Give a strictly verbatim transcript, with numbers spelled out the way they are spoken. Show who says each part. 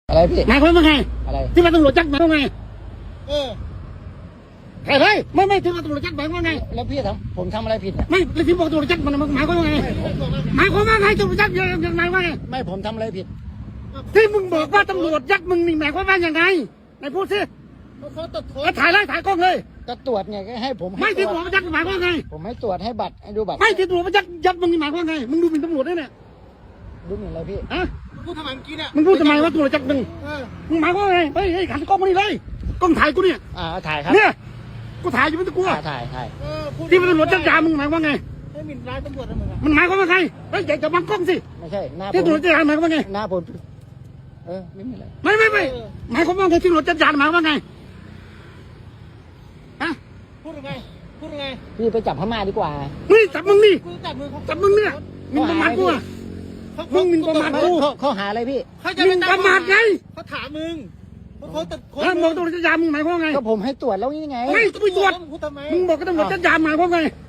Speaker 1: อะไรพี่
Speaker 2: หมายความว่าไง
Speaker 1: อะไร
Speaker 2: ที่ว่าตำรวจจับหมายความว่าไง
Speaker 3: เออ
Speaker 2: ใครเฮ้ยไม่ไม่ที่ว่าตำรวจจับหมายความว่าไง
Speaker 1: แล้วพี่ทำผมทำอะไรผิดเนี่ย
Speaker 2: ไม่แล้วที่บอกตำรวจจับมันหมายความว่าไงหมายความว่าไงตำรวจจับยังหมายว่าไง
Speaker 1: ไม่ผมทำอะไรผิด
Speaker 2: ที่มึงบอกว่าตำรวจยัดมึงนี่หมายความว่ายังไงไหนพูดสิ
Speaker 3: เขาตรวจค้น
Speaker 2: ถ่ายเลยถ่ายกล้องเลย
Speaker 1: ก็ตรวจไงก็ให้ผม
Speaker 2: ไม่ที่ตำรวจยัดหมายความว่าไง
Speaker 1: ผมให้ตรวจให้บัตรให้ดูบัตร
Speaker 2: ไม่ที่ตำรวจยัดยัดมึงนี่หมายความว่าไงมึงดูหมิ่นตำรวจด้วยเนี่ย
Speaker 1: ดูหมิ่นอะไรพี่
Speaker 2: ฮะ
Speaker 3: พูดทำไมเมื่อกี้เนี่ย
Speaker 2: มึงพูดทำไมว่าตำรวจจับมึง
Speaker 3: เออ
Speaker 2: มึงหมายความว่าไงเฮ้ยเฮ้ยขันกล้องมานี่เลยกล้องถ่ายกูเนี่ย
Speaker 1: อ่าถ่ายครับ
Speaker 2: เนี่ยกูถ่ายอยู่ไม่ต้องกลัว
Speaker 1: ถ่ายถ่าย
Speaker 3: เออพูด
Speaker 2: ที่มันตำรวจจับยามึงหมายความว่าไง
Speaker 3: ให้หมิ่นร้ายตำรวจนะมึงอะ
Speaker 2: มันหมายความว่าไงเฮ้ยอย่าจะบังกล้องสิ
Speaker 1: ไม่ใช่หน้าผม
Speaker 2: ที่ตำรวจจับยาหมายความว่าไง
Speaker 1: หน้าผมเออไม่มีอะไร
Speaker 2: ไม่ไม่ไม่หมายความว่าไงที่ตำรวจจับยาหมายความว่าไงฮะ
Speaker 3: พูดยังไงพูดยังไง
Speaker 1: พี่ไปจับพม่าดีกว่า
Speaker 2: นี่จับมึงนี่
Speaker 3: กูจับมือเขา
Speaker 2: จับมึงเนี่ยมึงประมาทกูอ่ะมึงมึงประมาทกู
Speaker 1: ข้อหาอะไรพี่
Speaker 3: เขาจะ
Speaker 2: มึงประมาทไง
Speaker 3: เขาถามมึงเขาตรวจค้น
Speaker 2: ถ้ามองตำรวจจับยามึงหมายความว่าไง
Speaker 1: ก็ผมให้ตรวจแล้วนี่ไง
Speaker 2: ไม่กูไปตรวจ
Speaker 3: พูดทำไม
Speaker 2: มึงบอกก็ตำรวจจับยาหมายความว่าไง